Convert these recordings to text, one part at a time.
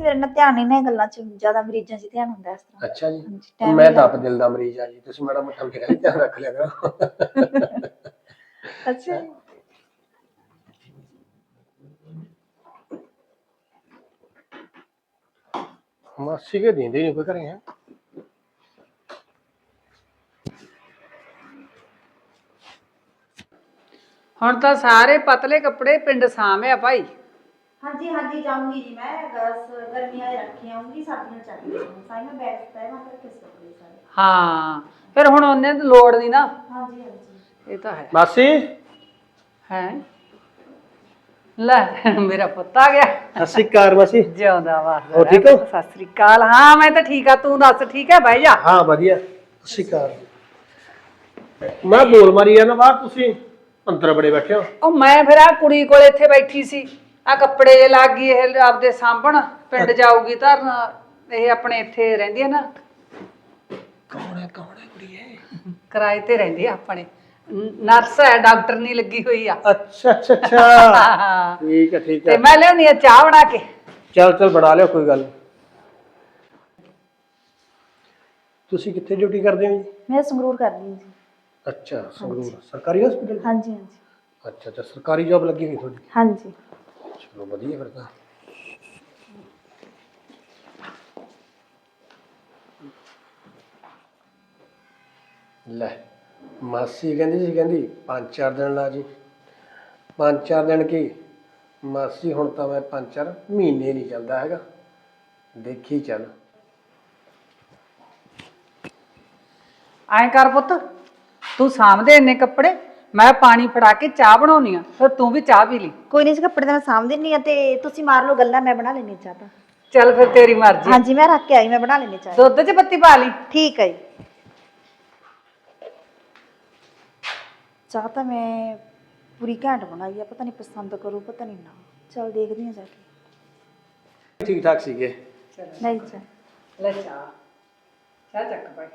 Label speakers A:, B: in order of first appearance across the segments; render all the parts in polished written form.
A: ਫਿਰ ਨਾ ਧਿਆਨ ਨਹੀਂ ਨਾ ਗੱਲਾਂ 'ਚ ਜ਼ਿਆਦਾ ਮਰੀਜ਼ਾਂ 'ਚ ਧਿਆਨ ਹੁੰਦਾ ਇਸ ਤਰ੍ਹਾਂ।
B: ਅੱਛਾ ਜੀ,
A: ਹਾਂਜੀ
B: ਮੈਂ ਤਾਂ ਆਪ ਦਿਲ ਦਾ ਮਰੀਜ਼ ਆ ਜੀ, ਤੁਸੀਂ ਮਾੜਾ ਮੋਟਾ ਮੇਰਾ ਵੀ ਧਿਆਨ ਰੱਖ ਲਿਆ ਕਰੋ।
A: ਅੱਛਾ ਜੀ।
B: ਮਾਸੀ ਕੇ ਦਿੰਦੇ ਨਹੀਂ ਕੋਈ ਘਰੇ ਹੈ।
C: ਹੁਣ ਤਾਂ ਸਾਰੇ ਪਤਲੇ ਕੱਪੜੇ ਪਿੰਡ ਸਾਂਭਿਆ ਭਾਈ।
A: ਹਾਂਜੀ ਹਾਂਜੀ ਜਾਊਂਗੀ ਜੀ ਮੈਂ ਗਰਮੀਆਂ ਦੇ ਰੱਖੇ ਆਉਂਗੀ ਸਰਦੀਆਂ ਚੱਲਦੀਆਂ ਸਾਈ ਮੈਂ ਬੈਗ ਤੈ ਮੈਂ ਕਿਸ ਕੱਪੜੇ ਸਾਰੇ।
C: ਹਾਂ ਫਿਰ ਹੁਣ ਉਹਨੇ ਤਾਂ ਲੋੜ ਨਹੀਂ ਨਾ।
A: ਹਾਂਜੀ ਹਾਂਜੀ
C: ਇਹ ਤਾਂ ਹੈ।
B: ਮਾਸੀ
C: ਹੈ ਲੈ ਮੇਰਾ ਪੁੱਤ ਆ ਗਿਆ।
B: ਸਤਿ ਸ਼੍ਰੀ ਅਕਾਲ ਮਾਸੀ।
C: ਜਿਉਂਦਾ ਵਾ।
B: ਹੋ ਠੀਕ ਹੋ?
C: ਸਤਿ ਸ੍ਰੀ ਅਕਾਲ। ਹਾਂ ਮੈਂ ਤਾਂ ਠੀਕ ਆ, ਤੂੰ ਦੱਸ ਠੀਕ ਹੈ? ਬਹਿ ਜਾ।
B: ਹਾਂ ਵਧੀਆ। ਸਤਿ ਸ਼੍ਰੀ ਅਕਾਲ। ਮੈਂ ਬੋਲ ਮਾਰੀ ਆ ਨਾ ਬਾਹਰ, ਤੁਸੀਂ ਅੰਦਰ ਬੜੇ ਬੈਠੇ ਹੋ।
C: ਉਹ ਮੈਂ ਫਿਰ ਆ ਕੁੜੀ ਕੋਲ ਇੱਥੇ ਬੈਠੀ ਸੀ, ਆ ਕੱਪੜੇ ਜੇ ਲੱਗ ਗਈ ਇਹ ਆਪਦੇ ਸਾਂਭਣ, ਪਿੰਡ ਜਾਊਗੀ ਧਰਨ। ਇਹ ਆਪਣੇ ਇੱਥੇ ਰਹਿੰਦੀ ਹੈ ਨਾ।
B: ਕੌਣ ਹੈ ਕੁੜੀ ਇਹ?
C: ਕਿਰਾਏ ਤੇ ਰਹਿੰਦੀ ਆ ਆਪਣੇ, ਨਰਸ ਹੈ, ਡਾਕਟਰ ਨਹੀਂ ਲੱਗੀ ਹੋਈ ਆ।
B: ਅੱਛਾ ਅੱਛਾ ਅੱਛਾ ਠੀਕ ਹੈ ਠੀਕ
C: ਤੇ
B: ਹੈ।
C: ਮੈਂ ਲਿਆਉਣੀ ਆ ਚਾਹ ਬਣਾ ਕੇ।
B: ਚੱਲ ਬਣਾ ਲਿਓ, ਕੋਈ ਗੱਲ ਨੀ। ਤੁਸੀਂ ਕਿੱਥੇ ਡਿਊਟੀ ਕਰਦੇ ਹੋ ਜੀ?
A: ਮੈਂ ਸੰਗਰੂਰ ਕਰਦੀ ਜੀ।
B: ਅੱਛਾ ਸੰਗਰੂਰ ਸਰਕਾਰੀ ਹਸਪੀਟਲ।
A: ਹਾਂਜੀ ਹਾਂਜੀ
B: ਅੱਛਾ ਅੱਛਾ, ਸਰਕਾਰੀ ਜੌਬ ਲੱਗੀ ਹੋਈ ਤੁਹਾਡੀ?
A: ਹਾਂਜੀ।
B: ਚਲੋ ਵਧੀਆ ਫਿਰ ਤਾਂ। ਲੈ ਮਾਸੀ ਕਹਿੰਦੀ ਸੀ, ਕਹਿੰਦੀ 5-4 ਦਿਨ ਲਾ ਜੀ। 5-4 ਦਿਨ ਕੀ ਮਾਸੀ, ਹੁਣ ਤਾਂ ਮੈਂ 5-4 ਮਹੀਨੇ ਨਹੀਂ ਚੱਲਦਾ ਹੈਗਾ, ਦੇਖੀ ਚੱਲ।
C: ਐਂ ਕਰ ਪੁੱਤ, ਤੂੰ ਸਾਂਭਦੇ ਇੰਨੇ ਕੱਪੜੇ, ਮੈਂ ਪਾਣੀ ਫੜਾ ਕੇ ਚਾਹ ਬਣਾਉਣੀ ਆ, ਫਿਰ ਤੂੰ ਵੀ ਚਾਹ ਪੀ ਲਈ।
A: ਕੋਈ ਨਹੀਂ ਜੀ, ਕੱਪੜੇ ਤਾਂ ਮੈਂ ਸਾਂਭ ਦਿੰਨੀ ਆ ਤੇ ਤੁਸੀਂ ਮਾਰ ਲਓ ਗੱਲਾਂ, ਮੈਂ ਬਣਾ ਲੈਣੀ ਚਾਹ ਤਾਂ।
C: ਚੱਲ ਫਿਰ ਤੇਰੀ ਮਰਜ਼ੀ।
A: ਹਾਂਜੀ ਮੈਂ ਰੱਖ ਕੇ ਆਈ, ਮੈਂ ਬਣਾ ਲੈਣੀ ਚਾਹ।
C: ਦੁੱਧ 'ਚ ਪੱਤੀ ਪਾ ਲਈ।
A: ਠੀਕ ਹੈ ਜੀ। ਚਾਹ ਤਾਂ ਮੈਂ ਪੂਰੀ ਘੈਂਟ ਬਣਾਈ ਆ, ਪਤਾ ਨਹੀਂ ਪਸੰਦ ਕਰੂ ਪਤਾ ਨਹੀਂ ਨਾ। ਚਲ ਦੇਖਦੀ ਹਾਂ ਜਾ ਕੇ।
B: ਠੀਕ ਠਾਕ ਸੀਗੇ।
A: ਨਹੀਂ ਚਾਹ
C: ਲੈ ਚਾਹ ਚੱਕ ਭਾਈ,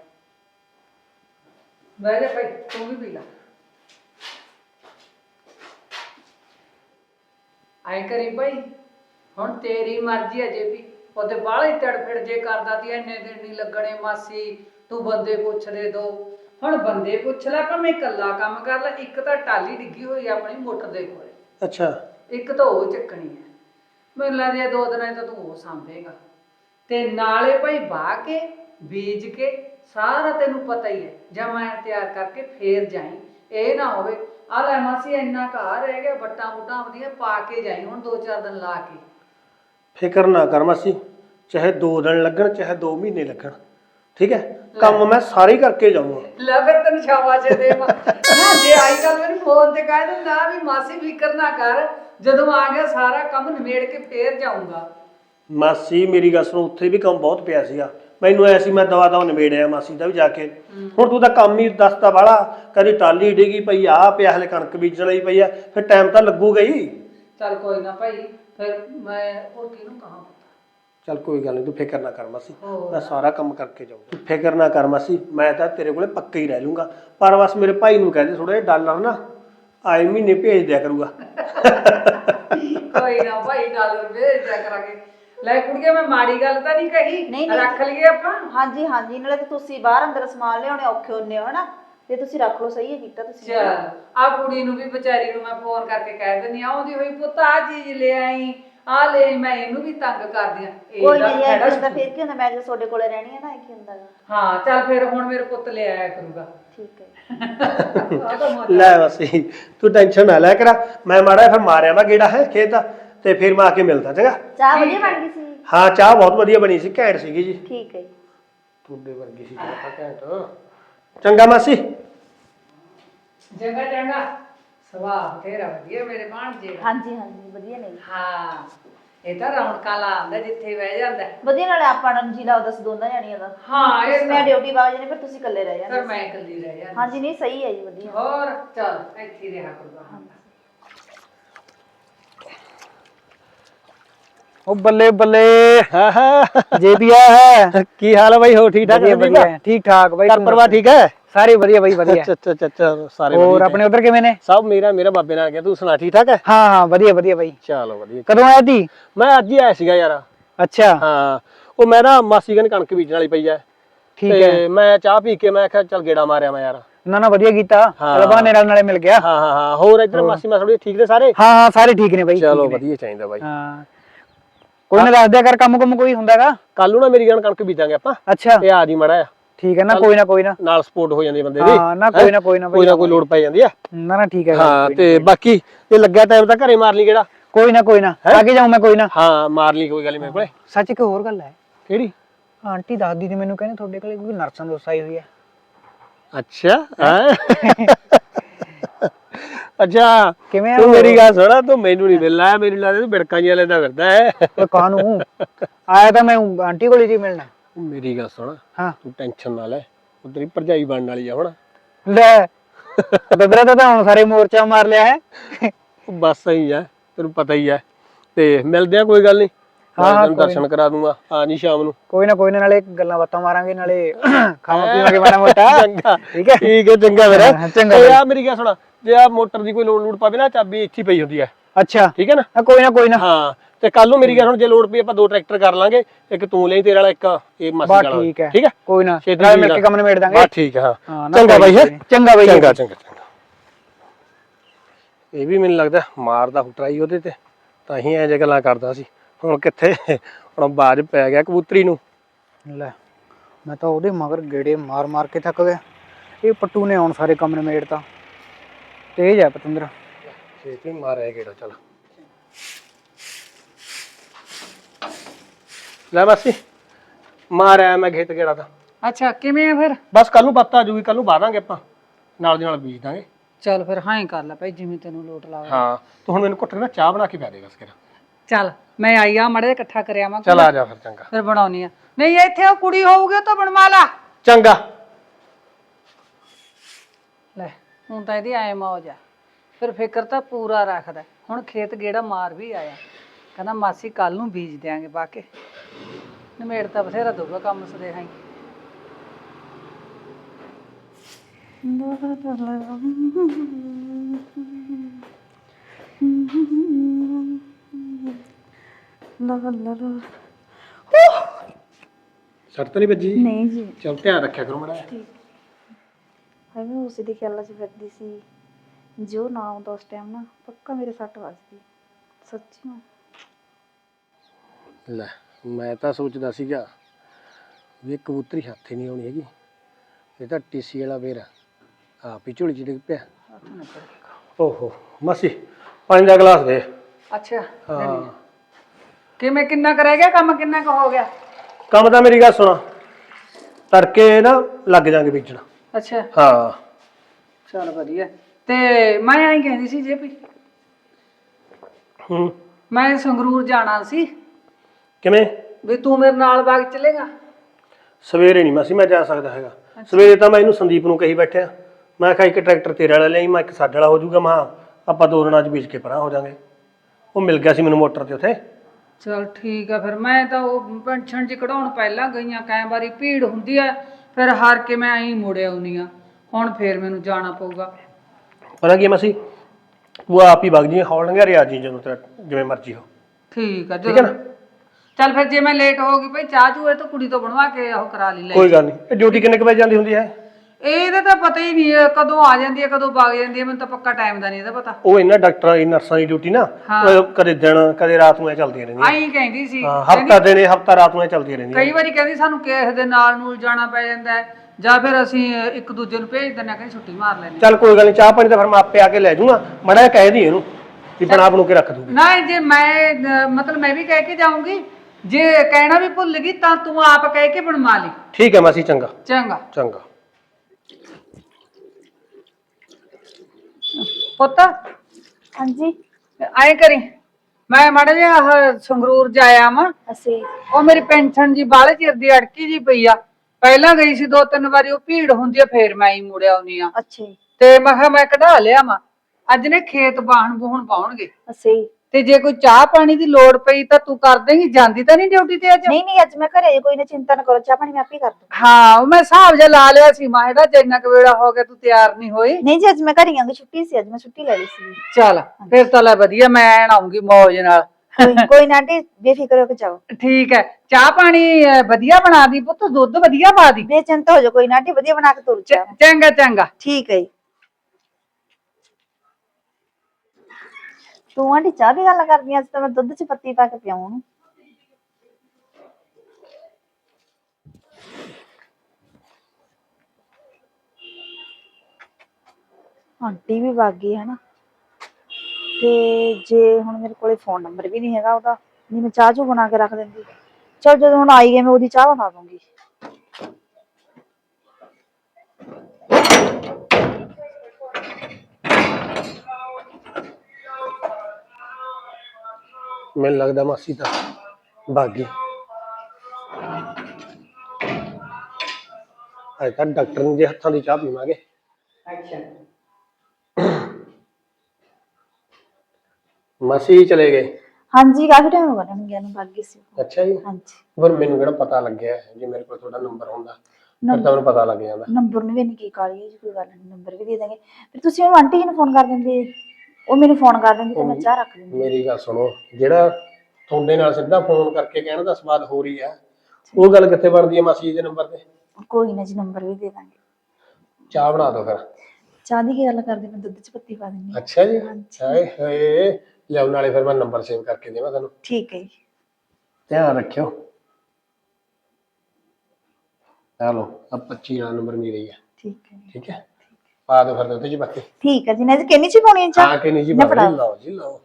C: ਬਹਿ ਜਾ ਭਾਈ, ਤੂੰ ਵੀ ਪੀ ਲੈ। ਐਂ ਕਰੀ ਭਾਈ, ਹੁਣ ਤੇਰੀ ਮਰਜ਼ੀ ਹੈ। ਜੇ ਵੀ ਉਹਦੇ ਬਾਹਲੇ ਤੜਫੜ ਜੇ ਕਰਦਾ ਤੀ ਇੰਨੇ ਦਿਨ ਨਹੀਂ ਲੱਗਣੇ ਮਾਸੀ, ਤੂੰ ਬੰਦੇ ਪੁੱਛ ਦੇ ਦੋ। ਹੁਣ ਬੰਦੇ ਪੁੱਛ ਲੈ, ਭਾਵੇਂ ਇਕੱਲਾ ਕੰਮ ਕਰ ਲੈ। ਇੱਕ ਤਾਂ ਟਾਲੀ ਡਿੱਗੀ ਹੋਈ ਆਪਣੀ ਮੋਟਰ ਦੇ ਕੋਲੇ,
B: ਅੱਛਾ
C: ਇੱਕ ਤਾਂ ਉਹ ਚੱਕਣੀ ਹੈ। ਮੈਨੂੰ ਲੱਗਦਾ 2 ਦਿਨਾਂ ਤਾਂ ਤੂੰ ਉਹ ਸਾਂਭੇਗਾ। ਤੇ ਨਾਲੇ ਭਾਈ ਵਾਹ ਕੇ ਬੀਜ ਕੇ ਸਾਰਾ ਤੈਨੂੰ ਪਤਾ ਹੀ ਹੈ, ਜਮਾਂ ਤਿਆਰ ਕਰਕੇ ਫੇਰ ਜਾਈ। ਇਹ ਨਾ ਹੋਵੇ ਆ ਲੈ ਮਾਸੀ ਇੰਨਾ ਘਰ ਰਹਿ ਗਿਆ, ਬੱਟਾਂ ਬੁੱਟਾਂ ਵਧੀਆ ਪਾ ਕੇ ਜਾਈ ਹੁਣ 2-4 ਦਿਨ ਲਾ ਕੇ।
B: ਫਿਕਰ ਨਾ ਕਰ ਮਾਸੀ, ਚਾਹੇ 2 ਦਿਨ ਲੱਗਣ ਚਾਹੇ 2 ਮਹੀਨੇ ਲੱਗਣ, ਠੀਕ ਹੈ? ਕੰਮ ਮੈਂ ਸਾਰੇ ਕਰਕੇ ਜਾਊਂਗਾ।
C: ਲੈ ਫਿਰ ਤੈਨੂੰ ਸ਼ਾਬਾਸ਼ ਦੇਵਾਂ ਨਾ। ਜੇ ਆਈ ਗੱਲ ਮੈਨੂੰ ਫੋਨ ਤੇ ਕਹਿ ਦਿੰਦਾ ਵੀ ਮਾਸੀ ਫਿਕਰ ਨਾ ਕਰ, ਜਦੋਂ ਆ ਗਿਆ ਸਾਰਾ ਕੰਮ ਨਿਬੇੜ ਕੇ ਫੇਰ ਜਾਊਂਗਾ।
B: ਮਾਸੀ ਮੇਰੀ ਗੱਲ ਸੁਣੋ, ਉੱਥੇ ਵੀ ਕੰਮ ਬਹੁਤ ਪਿਆ ਸੀਗਾ, ਮੈਨੂੰ ਐ ਸੀ ਮੈਂ ਦਵਾ ਨਿਬੇੜਿਆ ਮਾਸੀ ਦਾ ਵੀ ਜਾ ਕੇ। ਹੁਣ ਤੂੰ ਤਾਂ ਕੰਮ ਹੀ ਦੱਸਦਾ ਬਾਹਲਾ, ਕਦੀ ਟਾਲੀ ਡਿੱਗੀ ਪਈ ਆ ਪਿਆ, ਹਲੇ ਕਣਕ ਬੀਜਣ ਲਈ ਪਈ ਆ, ਫਿਰ ਟਾਈਮ ਤਾਂ ਲੱਗੂਗਾ ਹੀ।
C: ਚੱਲ ਕੋਈ ਨਾ ਭਾਈ, ਫਿਰ ਮੈਂ ਹੋਰ ਕਿਹਨੂੰ ਕਹਾਂ।
B: ਚੱਲ ਕੋਈ ਗੱਲ ਨਹੀਂ, ਤੂੰ ਫਿਕਰ ਨਾ ਕਰ ਮਾਸੀ, ਮੈਂ ਸਾਰਾ ਕੰਮ ਕਰਕੇ ਜਾਊਂ। ਤੂੰ ਫਿਕਰ ਨਾ ਕਰ ਮਾਸੀ, ਮੈਂ ਤਾਂ ਤੇਰੇ ਕੋਲੇ ਪੱਕਾ ਹੀ ਰਹਿ ਲੂੰਗਾ। ਪਰ ਬਸ ਮੇਰੇ ਭਾਈ ਨੂੰ ਕਹਿੰਦੇ ਥੋੜਾ ਜਿਹਾ ਡਾਲਰ ਨਾ ਆਏ ਮਹੀਨੇ ਭੇਜ ਦਿਆ ਕਰੂਗਾ।
C: ਕੋਈ ਨਾ ਭਾਈ, ਡਾਲਰ ਭੇਜ ਦਿਆ ਕਰਾਂਗੇ। ਲੈ ਕੁੜੀਏ, ਮੈਂ ਮਾੜੀ ਗੱਲ ਤਾਂ ਨਹੀਂ ਕਹੀ,
A: ਨਹੀਂ
C: ਰੱਖ ਲਈਏ ਆਪਾਂ।
A: ਹਾਂਜੀ ਹਾਂਜੀ, ਨਾਲੇ ਤੇ ਤੁਸੀਂ ਬਾਹਰ ਅੰਦਰ ਸਮਾਨ ਲਿਆਉਣੇ ਔਖੇ ਹੁੰਨੇ ਹੋ ਹਨਾ, ਤੇ ਤੁਸੀਂ ਰੱਖ ਲਓ। ਸਹੀ ਹੈ ਕੀਤਾ ਤੁਸੀਂ।
C: ਚੱਲ ਆ ਕੁੜੀ ਨੂੰ ਵੀ ਵਿਚਾਰੀ ਨੂੰ ਮੈਂ ਫੋਨ ਕਰਕੇ ਕਹਿ ਦਿੰਦੀ ਆ, ਆਉਂਦੀ ਹੋਈ ਪੁੱਤ ਆ ਚੀਜ਼ ਲੈ ਆਈ, ਆ ਲੈ। ਮੈਂ ਇਹਨੂੰ ਵੀ ਤੰਗ ਕਰਦੀ ਆ।
A: ਕੋਈ ਨਹੀਂ, ਇਹ ਹੁੰਦਾ ਫਿਰ ਕੀ ਹੁੰਦਾ, ਮੈਂ ਜੇ ਤੁਹਾਡੇ ਕੋਲੇ ਰਹਿਣੀ ਹੈ ਨਾ, ਇਹ ਕੀ ਹੁੰਦਾ।
C: ਹਾਂ ਚੱਲ ਫਿਰ ਹੁਣ ਮੇਰੇ ਪੁੱਤ ਲੈ ਆਇਆ ਕਰੂਗਾ।
A: ਠੀਕ ਹੈ।
B: ਲੈ ਮਾਸੀ ਤੂੰ ਟੈਨਸ਼ਨ ਨਾ ਲੈ ਕਰ, ਮੈਂ ਮਾੜਾ ਫਿਰ ਮਾਰਿਆ ਵਾ ਗੇੜਾ ਹੈ ਖੇਤ, ਤੇ ਫਿਰ ਮੈਂ ਆ ਕੇ ਮਿਲਦਾ। ਚੰਗਾ। ਚਾਹ
A: ਵਧੀਆ ਬਣ ਗਈ ਸੀ?
B: ਹਾਂ ਚਾਹ ਬਹੁਤ ਵਧੀਆ ਬਣੀ ਸੀ, ਘੈਂਟ ਸੀਗੀ ਜੀ।
A: ਠੀਕ ਹੈ ਜੀ।
B: ਤੁਹਾਡੇ ਵਰਗੀ ਸੀ ਚਾਹ ਘੈਂਟ। ਚੰਗਾ ਮਾਸੀ।
C: ਚੰਗਾ। ਸੁਭਾਅ ਤੇਰਾ ਵਧੀਆ ਮੇਰੇ ਭਾਣਜੇ ਦਾ।
A: ਹਾਂਜੀ ਹਾਂਜੀ ਵਧੀਆ ਨੇ।
C: ਹਾਂ ਇਹ ਤਾਂ ਰੌਣਕਾਂ ਲਾਉਂਦਾ ਜਿੱਥੇ ਬਹਿ ਜਾਂਦਾ
A: ਵਧੀਆ, ਨਾਲੇ ਆਪਾਂ ਨੂੰ ਜੀ ਲੱਗਦਾ ਸੀ ਦੋਨਾਂ ਜਾਣੀਆਂ ਦਾ।
C: ਹਾਂ ਇਹ
A: ਮੈਂ ਡਿਊਟੀ ਬਾਜ ਨੇ, ਫਿਰ ਤੁਸੀਂ ਇਕੱਲੇ ਰਹਿ ਜਾਂਦੇ।
C: ਫਿਰ ਮੈਂ ਇਕੱਲੀ ਰਹਿ ਜਾਂਦੀ।
A: ਹਾਂਜੀ ਨਹੀਂ ਸਹੀ ਹੈ ਜੀ, ਵਧੀਆ।
C: ਹੋਰ ਚੱਲ ਇੱਥੇ ਰਿਹਾ ਕਰੂਗਾ।
D: ਉਹ ਬੱਲੇ ਬੱਲੇ
B: ਹਾਂ ਹਾਂ
D: ਜੇ ਵੀ ਹੈ।
B: ਕੀ ਹਾਲ ਹੈ ਬਾਈ? ਹੋ ਠੀਕ ਠਾਕ?
D: ਵਧੀਆ ਠੀਕ ਠਾਕ ਬਾਈ,
B: ਘਰ ਪਰਿਵਾਰ ਠੀਕ ਹੈ?
D: ਸਾਰੇ ਵਧੀਆ ਬਾਈ, ਵਧੀਆ।
B: ਅੱਛਾ ਸਾਰੇ
D: ਹੋਰ ਆਪਣੇ ਉਧਰ ਕਿਵੇਂ ਨੇ?
B: ਸਭ ਮੇਰਾ ਬਾਬੇ ਨਾਲ ਗਿਆ। ਤੂੰ ਸੁਣਾ ਠੀਕ ਠਾਕ ਹੈ?
D: ਹਾਂ ਵਧੀਆ ਵਧੀਆ ਬਾਈ।
B: ਚਲੋ ਵਧੀਆ।
D: ਕਦੋਂ ਆਇਆ ਤੀ?
B: ਮੈਂ ਅੱਜ ਹੀ ਆਇਆ ਸੀਗਾ ਯਾਰ।
D: ਅੱਛਾ
B: ਹਾਂ ਉਹ ਮੈਂ ਨਾ ਮਾਸੀ ਕਹਿੰਦੀ ਕਣਕ ਬੀਜਣ ਵਾਲੀ ਪਈ ਐ
D: ਠੀਕ ਹੈ।
B: ਤੇ ਮੈਂ ਚਾਹ ਪੀ ਕੇ ਮੈਂ ਕਿਹਾ ਚੱਲ ਗੇੜਾ ਮਾਰਿਆ ਮੈਂ ਯਾਰ।
D: ਨਾ ਨਾ ਵਧੀਆ ਕੀਤਾ, ਚਲ ਬਹਾਨੇ ਨਾਲ ਨਾਲੇ ਮਿਲ ਗਿਆ।
B: ਹਾਂ ਹਾਂ ਹਾਂ ਹੋਰ ਇੱਧਰ ਮਾਸੀ ਮਾਸੜ ਵੀ ਠੀਕ ਨੇ ਸਾਰੇ?
D: ਹਾਂ ਹਾਂ ਸਾਰੇ ਠੀਕ ਨੇ ਬਾਈ।
B: ਚਲੋ ਵਧੀਆ ਚਾਹੀਦਾ ਬਾਈ।
D: ਹਾਂ ਕੋਈ ਨਾ ਦੱਸ ਦਿਆ ਕਰ, ਕੰਮ ਕੁਮ ਕੋਈ ਹੁੰਦਾਗਾ।
B: ਕੱਲ ਨੂੰ ਨਾ ਮੇਰੀ ਜਾਨ ਕਣਕ ਬੀਜਾਂਗੇ ਆਪਾਂ।
D: ਅੱਛਾ
B: ਤੇ ਆ ਜੀ ਮੜਾ ਆ।
D: ਠੀਕ ਹੈ ਨਾ, ਕੋਈ ਨਾ
B: ਨਾਲ ਸਪੋਰਟ ਹੋ ਜਾਂਦੀ ਬੰਦੇ ਦੀ।
D: ਹਾਂ ਨਾ ਕੋਈ ਨਾ
B: ਕੋਈ ਨਾ ਕੋਈ ਲੋੜ ਪੈ ਜਾਂਦੀ ਆ।
D: ਨਾ ਨਾ ਠੀਕ ਹੈ।
B: ਹਾਂ ਤੇ ਬਾਕੀ ਜੇ ਲੱਗਿਆ ਟਾਈਮ ਤਾਂ ਘਰੇ ਮਾਰ ਲਈ ਕਿਹੜਾ।
D: ਕੋਈ ਨਾ ਆ ਕੇ ਜਾਉਂ ਮੈਂ ਕੋਈ ਨਾ।
B: ਹਾਂ ਮਾਰ ਲਈ ਕੋਈ ਗੱਲ ਨੀ ਮੇਰੇ ਕੋਲੇ।
D: ਸੱਚ ਇੱਕ ਹੋਰ ਗੱਲ ਹੈ।
B: ਕਿਹੜੀ?
D: ਆਂਟੀ ਦੱਸਦੀ ਸੀ ਮੈਨੂੰ, ਕਹਿੰਦੇ ਤੁਹਾਡੇ ਕੋਲੇ ਕੋਈ ਨਰਸਾਂ ਦੋਸਤ ਆਈ ਹੋਈ ਹੈ।
B: ਅੱਛਾ ਅੱਛਾ
D: ਕਿਵੇਂ
B: ਤੂੰ ਮੇਰੀ ਗੱਲ ਸੁਣਾ, ਤੂੰ ਮੈਨੂੰ ਨਹੀਂ ਮਿਲਣਾ, ਮੈਨੂੰ ਲੱਗਦਾ ਤੂੰ ਬਿੜਕਾਂ ਜਿਹਾ ਲੈਂਦਾ ਫਿਰਦਾ ਹੈ।
D: ਓਏ ਕਾਹਨੂੰ ਆਇਆ ਤਾਂ ਮੈਂ ਆਂਟੀ ਕੋਲ ਹੀ ਮਿਲਣਾ।
B: ਮੇਰੀ ਗੱਲ ਸੁਣ,
D: ਹਾਂ
B: ਤੂੰ ਟੈਨਸ਼ਨ ਨਾ ਲੈ, ਉਹ ਤੇਰੀ ਭਰਜਾਈ ਬਣਨ ਵਾਲੀ ਆ ਹੁਣ।
D: ਲੈ ਬਦਰਾ ਤਾਂ ਹੁਣ ਸਾਰੇ ਮੋਰਚਾ ਮਾਰ ਲਿਆ ਹੈ।
B: ਉਹ ਬਸ ਸਹੀ ਆ, ਤੈਨੂੰ ਪਤਾ ਹੀ ਆ। ਤੇ ਮਿਲਦੇ ਆ, ਕੋਈ ਗੱਲ ਨਹੀਂ। ਹਾਂ ਤੈਨੂੰ ਦਰਸ਼ਨ ਕਰਾ ਦੂੰਗਾ, ਆ ਜੀ ਸ਼ਾਮ ਨੂੰ।
D: ਕੋਈ ਨਾ ਨਾਲੇ ਗੱਲਾਂ ਬਾਤਾਂ ਮਾਰਾਂਗੇ, ਨਾਲੇ ਖਾਵਾਂ ਪੀਵਾਂਗੇ ਮਾੜਾ ਮੋਟਾ।
B: ਚੰਗਾ
D: ਠੀਕ ਹੈ
B: ਚੰਗਾ ਫਿਰ।
D: ਚੰਗਾ
B: ਆ ਮੇਰੀ ਗੱਲ ਸੁਣਾ, ਜੇ ਆ ਮੋਟਰ ਦੀ ਕੋਈ ਲੋੜ ਪਵੇ ਨਾ, ਚਾਬੀ ਇੱਥੇ ਪਈ ਹੁੰਦੀ ਹੈ।
D: ਅੱਛਾ
B: ਠੀਕ ਹੈ ਨਾ?
D: ਕੋਈ ਨਾ
B: ਹਾਂ ਤੇ ਕੱਲ ਨੂੰ ਮੇਰੀ ਗੱਲ ਹੁਣ ਜੇ ਲੋੜ ਪਈ ਆਪਾਂ 2 ਟਰੈਕਟਰ ਕਰ ਲਾਂਗੇ, ਇੱਕ ਤੂੰ ਲਈ ਤੇਰੇ ਵਾਲਾ, ਇੱਕ ਇਹ ਮਾਸੀ ਵਾਲਾ।
D: ਠੀਕ ਹੈ
B: ਠੀਕ ਹੈ
D: ਕੋਈ ਨਾ,
B: ਛੇਤੀ
D: ਨਾਲ ਮਿਲ ਕੇ ਕੰਮ ਨਿਬੇੜ ਦਾਂਗੇ।
B: ਬਸ ਠੀਕ ਹੈ। ਹਾਂ
D: ਨਾ
B: ਚੰਗਾ ਬਾਈ ਹੈ।
D: ਚੰਗਾ ਬਾਈ
B: ਚੰਗਾ। ਇਹ ਵੀ ਮੈਨੂੰ ਲੱਗਦਾ ਮਾਰਦਾ ਹੁਟਰਾਈ ਉਹਦੇ ਤੇ, ਤਾਂ ਹੀ ਐ ਜੇ ਗੱਲਾਂ ਕਰਦਾ ਸੀ। ਹੁਣ ਕਿੱਥੇ, ਹੁਣ ਬਾਜ ਪੈ ਗਿਆ ਕਬੂਤਰੀ ਨੂੰ।
D: ਲੈ ਮੈਂ ਤਾਂ ਉਹਦੇ ਮਗਰ ਗੇੜੇ ਮਾਰ ਕੇ ਥੱਕ ਗਿਆ। ਇਹ ਪੱਟੂ ਨੇ ਆਉਣ ਸਾਰੇ ਕੰਮ ਨਿਬੇੜਤਾ। ਤੇਜ ਹੈ ਪਤੰਦਰ।
B: ਛੇਤੀ ਮਾਰਿਆ ਗੇੜਾ। ਚੱਲ ਲੈ ਮਾਸੀ ਮਾਰਿਆ ਮੈਂ ਖੇਤ ਗੇੜਾ ਤਾਂ।
C: ਅੱਛਾ ਕਿਵੇਂ ਆ ਫਿਰ?
B: ਬਸ ਕੱਲ ਨੂੰ ਪੱਤਾ ਆ ਜੂਗੀ, ਕੱਲ ਨੂੰ ਬਾ ਦਾਂਗੇ ਆਪਾਂ, ਨਾਲ ਦੀ ਨਾਲ ਬੀਜ ਦਾਂਗੇ।
C: ਚੱਲ ਫਿਰ ਹਾਂ ਹੀ ਕਰ ਲੈ ਭਾਈ, ਜਿਵੇਂ ਤੈਨੂੰ ਲੋਟ ਲਾਵੇ।
B: ਹਾਂ ਤੂੰ ਹੁਣ ਮੈਨੂੰ ਘੁੱਟ ਕੇ ਨਾ ਚਾਹ ਬਣਾ ਕੇ ਪਿਆ ਦੇ ਬਸ ਕਰ।
C: ਚੱਲ ਮੈਂ ਆਈ ਆ, ਮੜੇ ਇਕੱਠਾ ਕਰਿਆ ਮੈਂ।
B: ਚੱਲ ਆ ਜਾ ਫਿਰ। ਚੰਗਾ
C: ਫਿਰ ਬਣਾਉਣੀ ਆ। ਨਹੀਂ ਇੱਥੇ ਉਹ ਕੁੜੀ ਹੋਊਗੀ, ਉਹ ਤਾਂ ਬਣਵਾ ਲਾ।
B: ਚੰਗਾ।
C: ਲੈ ਹੁਣ ਤਾਂ ਇਹਦੀ ਐ ਮੌਜ ਆ, ਫਿਰ ਫਿਕਰ ਤਾਂ ਪੂਰਾ ਰੱਖਦਾ। ਹੁਣ ਖੇਤ ਗੇੜਾ ਮਾਰ ਵੀ ਆਇਆ, ਕਹਿੰਦਾ ਮਾਸੀ ਕੱਲ ਨੂੰ ਬੀਜ ਦਿਆਂਗੇ ਪਾ ਕੇ। ਨਿਮੇੜ ਤਾਂ ਬਥੇਰਾ ਦੂਗਾ ਕੰਮ ਸਦੇਹਾ ਹੀ।
B: ਸੱਟ ਤਾਂ ਨਹੀਂ ਵੱਜੀ?
A: ਨਹੀਂ ਜੀ।
B: ਚੱਲ ਧਿਆਨ ਰੱਖਿਆ ਕਰੋ ਮੜਾ।
A: ਹਾਏ ਮੈਂ ਉਸੇ ਦੇ ਖਿਆਲਾਂ 'ਚ ਫਿਰਦੀ ਸੀ, ਜੋ ਨਾ ਆਉਂਦਾ ਉਸ ਟਾਈਮ ਨਾ ਪੱਕਾ ਮੇਰੇ ਸੱਟ ਵੱਜਦੀ ਸੱਚੀ।
B: ਲੈ ਮੈਂ ਤਾਂ ਸੋਚਦਾ ਸੀਗਾ ਵੀ ਕਬੂਤਰੀ ਹੱਥ ਹੀ ਨਹੀਂ ਆਉਣੀ ਹੈਗੀ, ਇਹ ਤਾਂ ਟੀਸੀ ਵਾਲਾ ਵੇਰ ਆ, ਆਪ ਹੀ ਝੋਲੀ 'ਚ ਡਿੱਗ ਪਿਆ। ਓਹੋ ਮਾਸੀ ਪਾਣੀ ਦਾ ਗਲਾਸ ਦੇ।
C: ਅੱਛਾ
B: ਹਾਂ
C: ਕਿਵੇਂ, ਕਿੰਨਾ ਕੁ ਰਹਿ ਗਿਆ ਕੰਮ, ਕਿੰਨਾ ਕੁ ਹੋ ਗਿਆ?
B: ਕੰਮ ਤਾਂ ਮੇਰੀ ਗੱਲ ਸੁਣਾ, ਤੜਕੇ ਨਾ ਲੱਗ ਜਾਾਂਗੇ ਬੀਜਣ।
C: ਅੱਛਾ
B: ਹਾਂ
C: ਚਲ ਵਧੀਆ। ਤੇ ਮੈਂ ਆਈ ਕਹਿੰਦੀ ਸੀ ਜੇ ਵੀ ਮੈਂ ਸੰਗਰੂਰ ਜਾਣਾ ਸੀ।
B: ਕਿਵੇਂ?
C: ਵੀ ਤੂੰ ਮੇਰੇ ਨਾਲ ਬਾਗ ਚੱਲੇਗਾ?
B: ਸਵੇਰੇ ਨਹੀਂ ਮਾਸੀ ਮੈਂ ਜਾ ਸਕਦਾ ਹੈਗਾ। ਸਵੇਰੇ ਤਾਂ ਮੈਂ ਇਹਨੂੰ ਸੰਦੀਪ ਨੂੰ ਕਹੀ ਬੈਠਿਆ, ਮੈਂ ਕਿਹਾ ਇੱਕ ਟਰੈਕਟਰ ਤੇਰੇ ਵਾਲਾ ਲਿਆਈ, ਮੈਂ ਇੱਕ ਸਾਡੇ ਵਾਲਾ ਹੋ ਜਾਊਗਾ, ਮੈਂ ਆਪਾਂ 2 ਦਿਨਾਂ 'ਚ ਬੀਜ ਕੇ ਪਰਾਂ ਹੋ ਜਾਾਂਗੇ। ਉਹ ਮਿਲ ਗਿਆ ਸੀ ਮੈਨੂੰ ਮੋਟਰ ਤੇ ਉੱਥੇ।
C: ਚਲ ਠੀਕ ਆ। ਫਿਰ ਮੈਂ ਤਾਂ ਉਹ ਪੈਨਸ਼ਨ ਜੀ ਕਢਾਉਣ ਪਹਿਲਾਂ ਗਈਆਂ, ਕਈ ਵਾਰੀ ਭੀੜ ਹੁੰਦੀ ਆ, ਫਿਰ ਹਾਰ ਕੇ ਮੈਂ ਐਂ ਮੁੜ ਆਉਣੀ ਆ। ਹੁਣ ਫੇਰ ਮੈਨੂੰ ਜਾਣਾ ਪਊਗਾ।
B: ਪਤਾ ਕੀ ਮਾਸੀ, ਤੂੰ ਆਪ ਹੀ ਵਗ ਜੀ, ਹੌਲਣਗੇ ਰਿਆ ਜੀ ਜਦੋਂ ਤੇਰਾ ਜਿਵੇਂ ਮਰਜ਼ੀ ਹੋ।
C: ਠੀਕ ਆ
B: ਠੀਕ ਹੈ ਨਾ?
C: ਚੱਲ ਫਿਰ ਜੇ ਮੈਂ ਲੇਟ ਹੋ ਗਈ ਭਾਈ, ਚਾਹ ਚੂਹੇ ਤੋਂ ਕੁੜੀ ਤੋਂ ਬਣਵਾ ਕੇ ਉਹ ਕਰਾ ਲਈ ਲੈ।
B: ਕੋਈ ਗੱਲ ਨਹੀਂ। ਇਹ ਡਿਊਟੀ ਕਿੰਨੇ ਕੁ ਵਜੇ ਜਾਂਦੀ ਹੁੰਦੀ ਹੈ?
C: ਇਹਦਾ ਤਾਂ ਪਤਾ ਹੀ ਨਹੀਂ ਕਦੋਂ ਆ ਜਾਂਦੀ ਹੈ ਕਦੋਂ ਵਗ ਜਾਂਦੀ ਹੈ, ਮੈਨੂੰ ਤਾਂ ਪੱਕਾ ਟਾਈਮ ਦਾ ਨਹੀਂ ਇਹਦਾ ਪਤਾ।
B: ਉਹ ਇਹਨਾਂ ਡਾਕਟਰਾਂ ਦੀ ਨਰਸਾਂ ਦੀ ਡਿਊਟੀ ਨਾ ਕਦੇ ਦਿਨ ਕਦੇ ਰਾਤ ਨੂੰ ਇਹ ਚੱਲਦੀਆਂ ਰਹਿੰਦੀਆਂ।
C: ਆਈ ਕਹਿੰਦੀ ਸੀ,
B: ਹਾਂ ਹਫਤਾ ਦਿਨ ਹਫਤਾ ਰਾਤ ਨੂੰ ਇਹ ਚੱਲਦੀਆਂ ਰਹਿੰਦੀਆਂ।
C: ਕਈ ਵਾਰੀ ਕਹਿੰਦੀ ਸਾਨੂੰ ਕਿਸੇ ਦੇ ਨਾਲ ਨੂੰ ਜਾਣਾ ਪੈ ਜਾਂਦਾ ਹੈ, ਜਾਂ ਫਿਰ ਅਸੀਂ ਇੱਕ ਦੂਜੇ ਨੂੰ ਭੇਜ ਦਿੰਦੇ ਹਾਂ, ਕਹਿੰਦੀ ਛੁੱਟੀ ਮਾਰ ਲੈਂਦੇ।
B: ਚੱਲ ਕੋਈ ਗੱਲ ਨਹੀਂ, ਚਾਹ ਪਾਣੀ ਤਾਂ ਫਿਰ ਮੈਂ ਆਪੇ ਆ ਕੇ ਲੈ ਜਾਊਂਗਾ, ਮੜਾ ਜਿਹਾ ਕਹਿ ਦੀ ਇਹਨੂੰ ਕਿ ਬਣਾ ਬਣੂ ਕੇ ਰੱਖ ਦੂਗੀ।
C: ਨਾ ਜੇ ਮੈਂ ਮਤਲਬ ਮੈਂ ਵੀ ਕਹਿ ਕੇ ਜਾਊਂਗੀ, ਜੇ ਕਹਿਣਾ ਵੀ ਭੁੱਲ ਗਈ ਤਾਂ ਤੂੰ ਆਪ ਕਹਿ ਕੇ ਬਣਵਾ ਲਈ।
B: ਠੀਕ ਹੈ ਮਾਸੀ। ਚੰਗਾ
C: ਚੰਗਾ
B: ਚੰਗਾ।
C: ਪੁੱਤ
A: ਹਾਂਜੀ
C: ਐਂ ਕਰੀ, ਮੈਂ ਮਾੜਾ ਜਿਹਾ ਸੰਗਰੂਰ ਜਾਇਆ ਵਾਂ।
A: ਅਸੀਂ
C: ਉਹ ਮੇਰੀ ਪੈਨਸ਼ਨ ਜੀ ਬਾਹਲੇ ਚਿਰ ਦੀ ਅੜਕੀ ਜੀ ਪਈ ਆ। ਪਹਿਲਾਂ ਗਈ ਸੀ 2-3 ਵਾਰੀ, ਉਹ ਭੀੜ ਹੁੰਦੀ ਆ, ਫੇਰ ਮੈਂ ਹੀ ਮੁੜਿਆ ਆਉਣੀ ਆ।
A: ਅੱਛਾ ਜੀ।
C: ਤੇ ਮੈਂ ਕਿਹਾ ਮੈਂ ਕਢਾ ਲਿਆ ਵਾ, ਅੱਜ ਨੇ ਖੇਤ ਬਾਹਣ ਬੂਹਣ ਪਾਉਣਗੇ।
A: ਅਸੀਂ
C: ਤੇ ਜੇ ਕੋਈ ਚਾਹ ਪਾਣੀ ਦੀ ਲੋੜ ਪਈ ਤਾਂ ਤੂੰ ਕਰ ਦੇਂਗੀ, ਜਾਂਦੀ ਤਾਂ ਨਹੀਂ ਡਿਊਟੀ ਤੇ ਅੱਜ?
A: ਨਹੀਂ ਅੱਜ ਮੈਂ ਘਰੇ, ਕੋਈ ਨਾ ਚਿੰਤਾ ਨਾ ਕਰੋ, ਚਾਹ ਪਾਣੀ ਮੈਂ ਆਪੇ ਕਰ ਦੂੰ।
C: ਹਾਂ ਉਹ ਮੈਂ ਹਿਸਾਬ ਜਿਹਾ ਲਾ ਲਿਆ ਸੀ, ਮੈਂ ਜਿਹੜਾ ਜਿੰਨਾ ਕੁ ਵੇਲਾ ਹੋ ਗਿਆ ਤੂੰ ਤਿਆਰ ਨਹੀਂ ਹੋਈ।
A: ਨਹੀਂ ਜੀ ਅੱਜ ਮੈਂ ਘਰੇ ਆਂਗੀ, ਛੁੱਟੀ ਸੀ, ਅੱਜ ਮੈਂ ਛੁੱਟੀ ਲੈ ਲਈ ਸੀ।
C: ਚੱਲ ਫਿਰ ਤਾਂ ਲੈ ਵਧੀਆ, ਮੈਂ ਐਨ ਆਉਂਗੀ ਮੌਜ ਨਾਲ
A: ਕੋਈ ਨਾ ਆਂਟੀ ਬੇਫਿਕਰ ਹੋ ਕੇ ਜਾਓ।
C: ਠੀਕ ਹੈ, ਚਾਹ ਪਾਣੀ ਵਧੀਆ ਬਣਾ ਦੀ ਪੁੱਤ, ਦੁੱਧ ਵਧੀਆ ਪਾ ਦੀ।
A: ਬੇਚਿੰਤ ਹੋ ਜਾਓ, ਕੋਈ ਨਾ ਆਂਟੀ ਵਧੀਆ ਬਣਾ ਕੇ ਤੁਰ ਜਾ।
C: ਚੰਗਾ ਚੰਗਾ।
A: ਠੀਕ ਹੈ ਜੀ। ਤੂੰ ਆਂਟੀ ਚਾਹ ਦੀ ਗੱਲ ਕਰਦੀ, ਅੱਜ ਤਾਂ ਮੈਂ ਦੁੱਧ 'ਚ ਪੱਤੀ ਪਾ ਕੇ ਪਿਆਉਂ ਉਹਨੂੰ। ਆਂਟੀ ਵੀ ਵਗ ਗਈ ਹੈ ਨਾ, ਤੇ ਜੇ ਹੁਣ ਮੇਰੇ ਕੋਲੇ ਫੋਨ ਨੰਬਰ ਵੀ ਨਹੀਂ ਹੈਗਾ ਉਹਦਾ, ਨਹੀਂ ਮੈਂ ਚਾਹ ਚੂ ਬਣਾ ਕੇ ਰੱਖ ਦਿੰਦੀ। ਚਲ ਜਦੋਂ ਹੁਣ ਆਈ ਗਏ ਮੈਂ ਉਹਦੀ ਚਾਹ ਬਣਾ ਦੂੰਗੀ।
B: ਮੈਨੂੰ ਲੱਗਦਾ ਮਾਸੀ ਤਾਂ ਭੱਗ ਗਈ। ਅੱਜ ਤਾਂ ਡਾਕਟਰ ਦੇ ਹੱਥਾਂ ਦੀ ਚਾਹ ਪੀਵਾਂਗੇ।
C: ਅੱਛਾ,
B: ਮਾਸੀ ਚਲੇ ਗਏ।
A: ਹਾਂਜੀ ਕਾਫੀ ਟਾਈਮ ਹੋ ਗਿਆ ਉਹਨਾਂ ਨੂੰ ਗਿਆ ਨੂੰ, ਵਗ ਗਈ ਸੀ ਉਹ।
B: ਅੱਛਾ ਜੀ।
A: ਹਾਂਜੀ।
B: ਪਰ ਮੈਨੂੰ ਕਿਹੜਾ ਪਤਾ ਲੱਗਿਆ, ਜੇ ਮੇਰੇ ਕੋਲ ਤੁਹਾਡਾ ਨੰਬਰ ਹੁੰਦਾ ਫਿਰ ਤਾਂ ਮੈਨੂੰ ਪਤਾ ਲੱਗ ਜਾਂਦਾ।
A: ਨੰਬਰ ਨੂੰ ਵੀ ਨਹੀਂ ਕੀ ਕਾਲੀ ਜੀ, ਕੋਈ ਗੱਲ ਨਹੀਂ, ਨੰਬਰ ਵੀ ਦੇ ਦਾਂਗੇ। ਫਿਰ ਤੁਸੀਂ ਉਹ ਆਂਟੀ ਜੀ ਨੂੰ ਫੋਨ ਕਰ ਦਿੰਦੇ, ਉਹ ਮੈਨੂੰ ਫੋਨ ਕਰ ਦਿੰਦੀ ਤੇ ਮੈਂ ਚਾਹ ਰੱਖ ਦਿੰਦੀ।
B: ਮੇਰੀ ਗੱਲ ਸੁਣੋ, ਜਿਹੜਾ ਤੁਹਾਡੇ ਨਾਲ ਸਿੱਧਾ ਫੋਨ ਕਰਕੇ ਕਹਿਣ ਦਾ ਸਵਾਦ ਹੋ ਰਹੀ ਹੈ, ਉਹ ਗੱਲ ਕਿੱਥੇ ਬਣਦੀ ਹੈ ਮਾਸੀ ਜੀ ਦੇ ਨੰਬਰ ਤੇ?
A: ਕੋਈ ਨਾ ਜੀ, ਨੰਬਰ ਵੀ ਦੇ ਦਾਂਗੇ।
B: ਚਾਹ ਬਣਾ ਦਿਓ ਫਿਰ।
A: ਚਾਹ ਦੀ ਕੀ ਗੱਲ ਕਰਦੇ, ਮੈਂ ਦੁੱਧ 'ਚ ਪੱਤੀ ਪਾ ਦਿੰਦੀ।
B: ਅੱਛਾ ਜੀ। ਹਾਏ ਹਾਏ, ਲਿਆਉਣ ਨਾਲੇ ਫਿਰ ਮੈਂ ਨੰਬਰ ਸੇਵ ਕਰਕੇ ਦੇਵਾਂ ਤੁਹਾਨੂੰ।
A: ਠੀਕ ਹੈ ਜੀ।
B: ਧਿਆਨ ਰੱਖਿਓ। ਚਲੋ ਆ 25 ਵਾਲਾ ਨੰਬਰ ਮੇਰਾ ਹੀ ਹੈ।
A: ਠੀਕ ਹੈ ਜੀ।
B: ਠੀਕ ਹੈ, ਪਾ ਦਿਓ ਫਿਰ ਦੁੱਧ 'ਚ ਪੱਤੀ।
A: ਠੀਕ ਹੈ ਜੀ। ਨਾ ਜੀ ਕਿੰਨੀ ਚ ਪਾਉਣੀ ਹੈ ਚਾਹ?
B: ਹਾਂ ਕਿੰਨੀ ਜੀ
A: ਨਾ
B: ਪਾ ਦਿਓ। ਲਓ ਜੀ ਲਓ।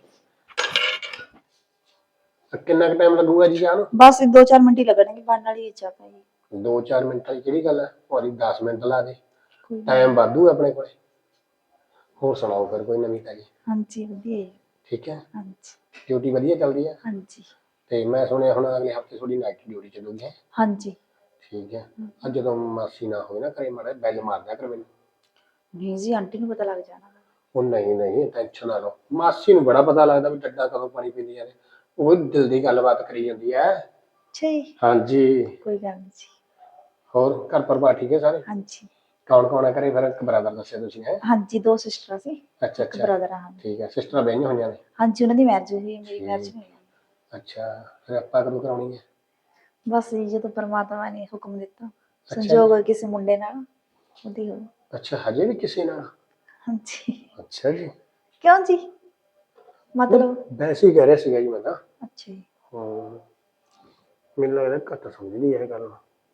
B: ਕਿੰਨਾ ਕੁ ਟਾਈਮ ਲੱਗੂਗਾ ਜੀ ਚਾਹ ਨੂੰ?
A: ਬਸ 2-4 ਮਿੰਟ ਹੀ ਲੱਗਣਗੇ, ਬਣਨ ਵਾਲੀ ਹੈ ਚਾਹ ਭਾਈ।
B: 2-4 ਮਿੰਟਾਂ ਦੀ ਕਿਹੜੀ ਗੱਲ ਹੈ, ਭਾਰੀ 10 ਮਿੰਟ ਲਾ ਦੇ,
A: ਕੋਈ
B: ਟਾਈਮ ਵਾਧੂ ਹੈ ਆਪਣੇ ਕੋਲੇ। ਹੋਰ ਸੁਣਾਓ ਫਿਰ ਕੋਈ ਨਵੀਂ ਤਾਜੀ?
A: ਹਾਂਜੀ ਵਧੀਆ ਹੈ।
B: ਠੀਕ ਹੈ,
A: ਹਾਂਜੀ
B: ਡਿਊਟੀ ਵਧੀਆ ਚੱਲਦੀ ਹੈ?
A: ਹਾਂਜੀ
B: ਤੇ ਮੈਂ ਸੁਣਿਆ ਹੁਣ ਅਗਲੇ ਹਫਤੇ ਤੁਹਾਡੀ ਨਾਈਟ ਡਿਊਟੀ ਚੱਲੂਗੀ ਹੈ?
A: ਹਾਂਜੀ।
B: ਠੀਕ ਹੈ। ਅੱਜ ਜਦੋਂ ਮਾਸੀ ਨਾ ਹੋਵੇ ਨਾ ਘਰੇ, ਮਾੜਾ ਬੈਲ ਮਾਰ ਦਿਆ ਕਰ ਮੈਨੂੰ।
A: ਨਹੀਂ ਜੀ, ਆਂਟੀ ਨੂੰ ਪਤਾ ਲੱਗ ਜਾਣਾ।
B: ਉਹ ਨਹੀਂ ਨਹੀਂ, ਟੈਨਸ਼ਨ ਨਾ ਲਓ, ਮਾਸੀ ਨੂੰ ਬੜਾ ਪਤਾ ਲੱਗਦਾ ਵੀ ਡੱਡਾ ਕਦੋਂ ਪਾਣੀ ਪੀਂਦੀਆਂ ਨੇ, ਉਹ ਦਿਲ ਦੀ ਗੱਲਬਾਤ ਕਰੀ ਜਾਂਦੀ ਹੈ।
A: ਅੱਛਾ ਜੀ।
B: ਹਾਂਜੀ।
A: ਕੋਈ ਗੱਲ ਨਹੀਂ ਜੀ।
B: ਹੋਰ ਘਰ ਪਰਿਵਾਰ ਠੀਕ ਹੈ ਸਾਰੇ?
A: ਹਾਂਜੀ।
B: ਕੌਣ ਕੌਣ ਹੈ ਘਰੇ ਫਿਰ? ਇੱਕ ਬ੍ਰਦਰ ਦੱਸਿਆ ਤੁਸੀਂ ਹੈ?
A: ਹਾਂਜੀ 2 ਸਿਸਟਰਾਂ ਸੀ,
B: ਅੱਛਾ
A: ਇੱਕ
B: ਅੱਛਾ
A: ਬ੍ਰਦਰ ਆ।
B: ਠੀਕ ਹੈ। ਸਿਸਟਰਾਂ ਬਹਿਆਂ ਹੋਈਆਂ ਨੇ?
A: ਹਾਂਜੀ ਉਹਨਾਂ ਦੀ ਮੈਰਿਜ ਹੋਈ ਹੈ, ਮੇਰੀ ਮੈਰਿਜ ਨਹੀਂ ਹੋਈ।
B: ਅੱਛਾ, ਫਿਰ ਆਪਾਂ ਕਦੋਂ ਕਰਾਉਣੀ ਹੈ?
A: ਬਸ ਜੀ ਜਦੋਂ ਪਰਮਾਤਮਾ ਨੇ ਹੁਕਮ ਦਿੱਤਾ,
B: ਅੱਛਾ
A: ਸੰਜੋਗ ਹੋਏ ਕਿਸੇ ਮੁੰਡੇ ਨਾਲ, ਉਹਦੀ ਹੋ।
B: ਅੱਛਾ, ਹਜੇ ਵੀ ਕਿਸੇ ਨਾਲ?
A: ਹਾਂਜੀ।
B: ਅੱਛਾ ਜੀ।
A: ਕਿਉਂ ਜੀ, ਮਤਲਬ?
B: ਵੈਸੇ ਹੀ ਕਹਿ ਰਿਹਾ ਸੀਗਾ ਜੀ ਮੈਂ ਤਾਂ।
A: ਅੱਛਾ ਜੀ।
B: ਹਾਂ, ਮੈਨੂੰ ਲੱਗਦਾ ਘੱਟ ਸਮਝਦੀ ਹੈ ਇਹ ਗੱਲ।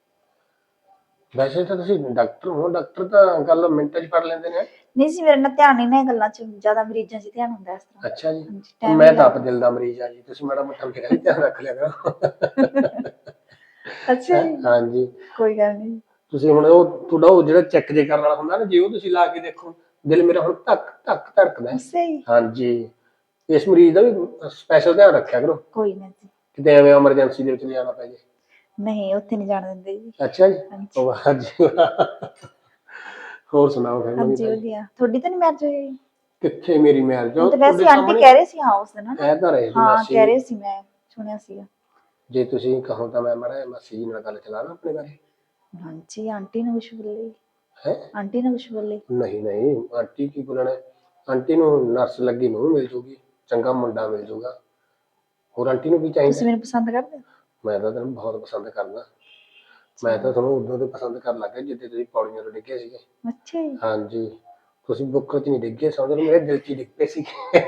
B: ਵੈਸੇ ਤਾਂ ਤੁਸੀਂ ਡਾਕਟਰ ਹੋ, ਡਾਕਟਰ ਤਾਂ ਗੱਲ ਮਿੰਟਾਂ 'ਚ ਫੜ ਲੈਂਦੇ ਨੇ।
A: ਨਹੀਂ ਜੀ, ਮੇਰੇ ਨਾਲ ਧਿਆਨ ਨਹੀਂ ਨਾ ਇਹ ਗੱਲਾਂ 'ਚ, ਜ਼ਿਆਦਾ ਮਰੀਜ਼ਾਂ 'ਚ ਧਿਆਨ ਹੁੰਦਾ ਇਸ ਤਰ੍ਹਾਂ।
B: ਅੱਛਾ ਜੀ।
A: ਹਾਂਜੀ, time
B: ਮੈਂ
A: ਨਹੀਂ
B: ਤਾਂ ਆਪ
A: ਲੱਗਦਾ।
B: ਦਿਲ ਦਾ ਮਰੀਜ਼ ਆ ਜੀ, ਤੁਸੀਂ ਮਾੜਾ ਮੋਟਾ ਮੇਰਾ ਵੀ ਧਿਆਨ ਰੱਖ ਲਿਆ ਕਰੋ।
A: ਅੱਛਾ ਜੀ।
B: ਹਾਂਜੀ।
A: ਕੋਈ ਗੱਲ ਨਹੀਂ।
B: ਤੁਸੀਂ ਹੁਣ ਉਹ ਤੁਹਾਡਾ ਉਹ ਜਿਹੜਾ ਚੈੱਕ ਜੇ ਕਰਨ ਵਾਲਾ ਹੁੰਦਾ ਨਾ, ਜੇ ਉਹ ਤੁਸੀਂ ਲਾ ਕੇ ਦੇਖੋ, ਦਿਲ ਮੇਰਾ ਹੁਣ ਧੱਕ ਧੱਕ ਧੜਕਦਾ ਹੈ।
A: ਅੱਛਾ ਜੀ।
B: ਹਾਂਜੀ, ਇਸ ਮਰੀਜ਼ ਦਾ ਵੀ ਸਪੈਸ਼ਲ ਧਿਆਨ ਰੱਖਿਆ ਕਰੋ,
A: ਕੋਈ ਨਾ ਜੀ।
B: ਕਿਤੇ ਐਵੇਂ ਐਮਰਜੈਂਸੀ ਦੇ ਵਿੱਚ ਲਿਜਾਣਾ ਪੈ ਜੇ।
A: ਨਹੀਂ, ਉੱਥੇ ਨਹੀਂ ਜਾਣ ਦਿੰਦੇ ਜੀ।
B: ਅੱਛਾ ਜੀ।
A: ਹਾਂਜੀ।
B: ਵਾਹ ਜੀ ਵਾਹ। ਹੋਰ ਸੁਣਾਓ ਫਿਰ ਨਵੀਂ
A: ਹਾਂਜੀ
B: ਤਾਜੀ?
A: ਵਧੀਆ। ਤੁਹਾਡੀ ਤਾਂ ਨਹੀਂ ਮੈਰਿਜ ਹੋਈ?
B: ਕਿੱਥੇ ਮੇਰੀ ਮੈਰਿਜ?
A: ਹੁਣ ਤਾਂ ਵੈਸੇ ਆਂਟੀ ਕਹਿ ਰਹੇ ਸੀ ਹਾਂ ਉਸ ਦਿਨ,
B: ਕਹਿ ਤਾਂ ਰਹੇ ਸੀ
A: ਹਾਂ
B: ਮਾਸੀ।
A: ਕਹਿ ਰਹੇ ਸੀ, ਮੈਂ ਸੁਣਿਆ ਸੀਗਾ।
B: ਜੇ ਤੁਸੀਂ ਕਹੋ ਤਾਂ ਮੈਂ ਮਾੜਾ ਮਾਸੀ ਜੀ ਨਾਲ ਗੱਲ ਚਲਾ ਲਾਂ ਆਪਣੇ ਬਾਰੇ।
A: ਹਾਂਜੀ, ਆਂਟੀ ਨੂੰ ਕੁਛ ਬੋਲੇ?
B: ਹੈ?
A: ਆਂਟੀ ਨੂੰ ਕੁਛ ਬੋਲੇ?
B: ਨਹੀਂ ਨਹੀਂ, ਆਂਟੀ ਕੀ ਬੋਲਣਾ, ਆਂਟੀ ਨੂੰ ਨਰਸ ਲੱਗੀ ਨੂੰ ਮਿਲ ਜੂਗੀ, ਚੰਗਾ ਮੁੰਡਾ ਮਿਲ ਜੂਗਾ, ਹੋਰ ਆਂਟੀ ਨੂੰ ਕੀ ਚਾਹੀਦਾ?
A: ਤੁਸੀਂ ਮੈਨੂੰ ਪਸੰਦ ਕਰਦੇ?
B: ਮੈਂ ਤਾਂ ਤੈਨੂੰ ਬਹੁਤ ਪਸੰਦ ਕਰਦਾ। ਮੈਂ ਤਾਂ ਤੁਹਾਨੂੰ ਉਦੋਂ ਤੋਂ ਪਸੰਦ ਕਰਨ ਲੱਗ ਗਿਆ ਜਿੱਦੇ ਤੁਸੀਂ ਪੌੜੀਆਂ ਤੋਂ ਡਿੱਗੇ ਸੀਗੇ।
A: ਅੱਛਾ ਜੀ।
B: ਹਾਂਜੀ, ਤੁਸੀਂ ਬੁੱਕਰ 'ਚ ਨਹੀਂ ਡਿੱਗੇ, ਸਮਝ ਲਓ ਮੇਰੇ ਦਿਲ 'ਚ ਹੀ ਡਿੱਗ ਪਏ ਸੀ।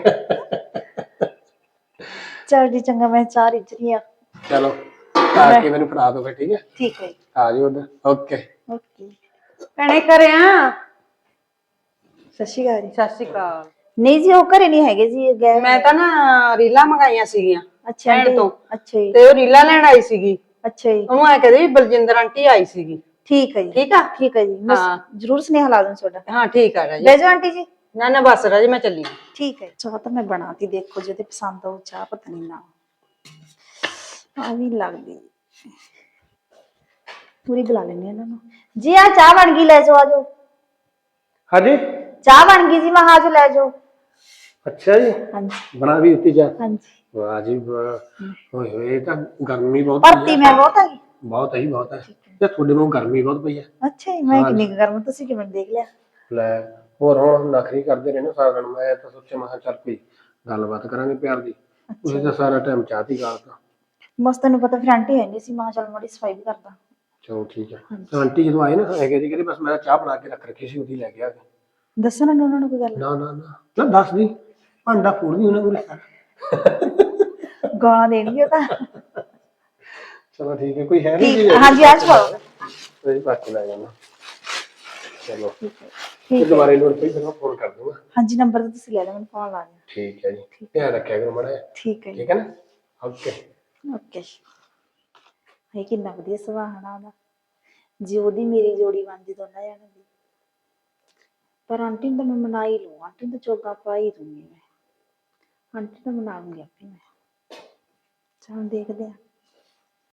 A: ਚਲ ਜੀ ਚੰਗਾ, ਮੈਂ ਚਾਹ ਰਿੱਝ ਰਹੀ ਆ।
B: ਚਲੋ ਆ ਕੇ ਮੈਨੂੰ ਫੜਾ ਦਿਓ ਫਿਰ। ਠੀਕ ਹੈ?
A: ਠੀਕ ਹੈ ਜੀ।
B: ਆ ਜਾਓ ਉਧਰ। Okay
A: okay.
C: ਭੈਣੇ ਘਰੇ ਆ?
A: ਸਤਿ ਸ਼੍ਰੀ ਅਕਾਲ ਜੀ।
C: ਸਤਿ ਸ਼੍ਰੀ ਅਕਾਲ।
A: ਨਹੀਂ ਜੀ, ਉਹ ਘਰੇ ਨਹੀਂ ਹੈਗੇ ਜੀ, ਗਏ।
C: ਮੈਂ ਤਾਂ ਨਾ ਰੀਲਾਂ ਮੰਗਾਈਆਂ ਸੀਗੀਆਂ
A: ਅੱਛਾ
C: ਭੈਣ
A: ਆਂਟੀ।
C: ਤੋਂ,
A: ਅੱਛਾ ਜੀ।
C: ਤੇ ਉਹ ਰੀਲਾਂ ਲੈਣ ਆਈ ਸੀਗੀ।
A: ਅੱਛਾ ਜੀ।
C: ਉਹਨੂੰ ਐ ਕਹਦੇ ਵੀ ਬਲਜਿੰਦਰ ਆਂਟੀ ਆਈ ਸੀਗੀ।
A: ਠੀਕ ਹੈ ਜੀ।
C: ਠੀਕ ਆ?
A: ਠੀਕ ਹੈ ਜੀ, ਮੈਂ
C: ਹਾਂ।
A: ਜ਼ਰੂਰ ਸੁਨੇਹਾ ਲਾ ਦੂੰ ਤੁਹਾਡਾ।
C: ਹਾਂ ਠੀਕ ਆ ਰਾਜੀ।
A: ਬਹਿ ਜਾਓ ਆਂਟੀ ਜੀ।
C: ਨਾ ਨਾ ਬਸ ਰਾਜੀ, ਮੈਂ ਚੱਲੀ।
A: ਠੀਕ ਹੈ। ਚਾਹ ਤਾਂ ਮੈਂ ਬਣਾਤੀ, ਦੇਖੋ ਜੇ ਤੇ ਪਸੰਦ ਆਉ ਚਾਹ, ਪਤਾ ਨਹੀਂ ਨਾ ਆ ਵੀ ਲੱਗਦੀ। ਪੂਰੀ ਬੁਲਾ ਲੈਣੀ ਇਹਨਾਂ ਨੂੰ ਜੀ। ਆ ਚਾਹ ਬਣ ਗਈ, ਲੈ ਜਾਓ, ਆ ਜਾਓ।
B: ਹਾਂਜੀ,
A: ਚਾਹ ਬਣ ਗਈ ਜੀ, ਮੈਂ ਆ ਜਾਓ, ਲੈ ਜਾਓ।
B: ਅੱਛਾ ਜੀ,
A: ਹਾਂਜੀ
B: ਬਣਾ ਵੀ ਦਿੱਤੀ ਚਾਹ?
A: ਹਾਂਜੀ।
B: ਵਾਹ ਜੀ ਵਾਹ। ਹੋਏ ਹੋਏ, ਤਾਂ ਗਰਮੀ ਬਹੁਤ
A: ਭਰਤੀ ਮੈਂ ਬਹੁਤ ਆ ਗਈ।
B: ਬਹੁਤ ਹੈ ਜੀ, ਬਹੁਤ ਹੈ। ਤੇ ਤੁਹਾਡੇ ਨੂੰ ਗਰਮੀ ਬਹੁਤ ਪਈ ਹੈ।
A: ਅੱਛਾ ਜੀ, ਮੈਂ ਕਿੰਨੀ ਕੁ ਗਰਮ, ਤੁਸੀਂ ਕਿਵੇਂ ਦੇਖ ਲਿਆ?
B: ਲੈ, ਹੋਰ ਹੁਣ ਨਖਰੀ ਕਰਦੇ ਰਹੇ ਨਾ ਸਾਰਾ ਦਿਨ, ਮੈਂ ਤਾਂ ਸੋਚਿਆ ਮੈਂ ਕਿਹਾ ਚੱਲ ਕੋਈ ਗੱਲਬਾਤ ਕਰਾਂਗੇ ਪਿਆਰ ਦੀ। ਤੁਸੀਂ ਤਾਂ ਸਾਰਾ ਟਾਈਮ ਚਾਹ ਦੀ ਗਾਲਤਾ।
A: ਬਸ ਤੈਨੂੰ ਪਤਾ ਫਿਰ ਆਂਟੀ ਹੈ ਨਹੀਂ ਸੀ, ਮਾਂ ਚੱਲ ਮਾੜੀ ਸਫਾਈ ਵੀ ਕਰਦਾ।
B: ਚਲੋ ਠੀਕ ਹੈ। ਤੇ ਆਂਟੀ ਜਦੋਂ ਆਏ ਨਾ ਹੈਗੇ ਜੀ, ਕਹਿੰਦੇ ਬਸ ਮੈਂ ਚਾਹ ਬਣਾ ਕੇ ਰੱਖ ਰੱਖੀ ਸੀ, ਉਹਦੀ ਲੈ ਕੇ ਆ ਗਏ।
A: ਦੱਸਣਾ ਨੀ ਉਹਨਾਂ ਨੂੰ ਕੋਈ ਗੱਲ?
B: ਨਾ ਨਾ ਨਾ ਨਾ, ਦੱਸ ਦੀ, ਭਾਂਡਾ ਫੋੜ ਦੀ ਉਹਨਾਂ ਕੋਲ ਸਾਰਾ।
A: ਗਾਲਾਂ ਦੇਣਗੇ ਉਹ ਤਾਂ।
B: ਚਲੋ ਠੀਕ ਹੈ, ਕੋਈ ਹੈ ਨਹੀਂ
A: ਠੀਕ, ਹਾਂਜੀ ਆ ਚ ਪਾਓ।
B: ਤੁਸੀਂ ਬਾਕੀ ਲੈ ਜਾਣਾ। ਚਲੋ
A: ਠੀਕ ਹੈ,
B: ਤੇ
A: ਠੀਕ ਹੈ।
B: ਦੁਬਾਰੇ ਲੋੜ ਪਈ ਫਿਰ ਮੈਂ ਫੋਨ ਕਰ ਦੂੰਗਾ।
A: ਹਾਂਜੀ ਨੰਬਰ ਤਾਂ ਤੁਸੀਂ ਲੈ ਲਿਆ, ਮੈਨੂੰ ਫੋਨ ਲਾ ਦਿਓ।
B: ਠੀਕ ਹੈ ਜੀ, ਧਿਆਨ ਰੱਖਿਆ ਕਰੋ ਮਾੜਾ ਜਿਹਾ।
A: ਠੀਕ ਹੈ ਜੀ।
B: ਠੀਕ ਹੈ ਨਾ, ਓਕੇ।
A: ਓਕੇ। ਇਹ ਕਿੰਨਾ ਵਧੀਆ ਸੁਭਾਅ ਹੈ ਨਾ ਉਹਦਾ, ਜੇ ਉਹਦੀ ਮੇਰੀ ਜੋੜੀ ਬਣਦੀ ਦੋਨਾਂ ਜਣਿਆਂ ਦੀ। ਪਰ ਆਂਟੀ ਨੂੰ ਤਾਂ ਮੈਂ ਮਨਾ ਹੀ ਲਊਂ, ਆਂਟੀ ਨੂੰ ਤਾਂ ਚੋਗਾ ਪਾ ਹੀ ਦੂੰਗੀ ਮੈਂ, ਆਂਟੀ ਨੂੰ ਮਨਾ ਲੂੰਗੀ ਆਪੇ ਮੈਂ। ਚਲ ਦੇਖਦੇ ਹਾਂ।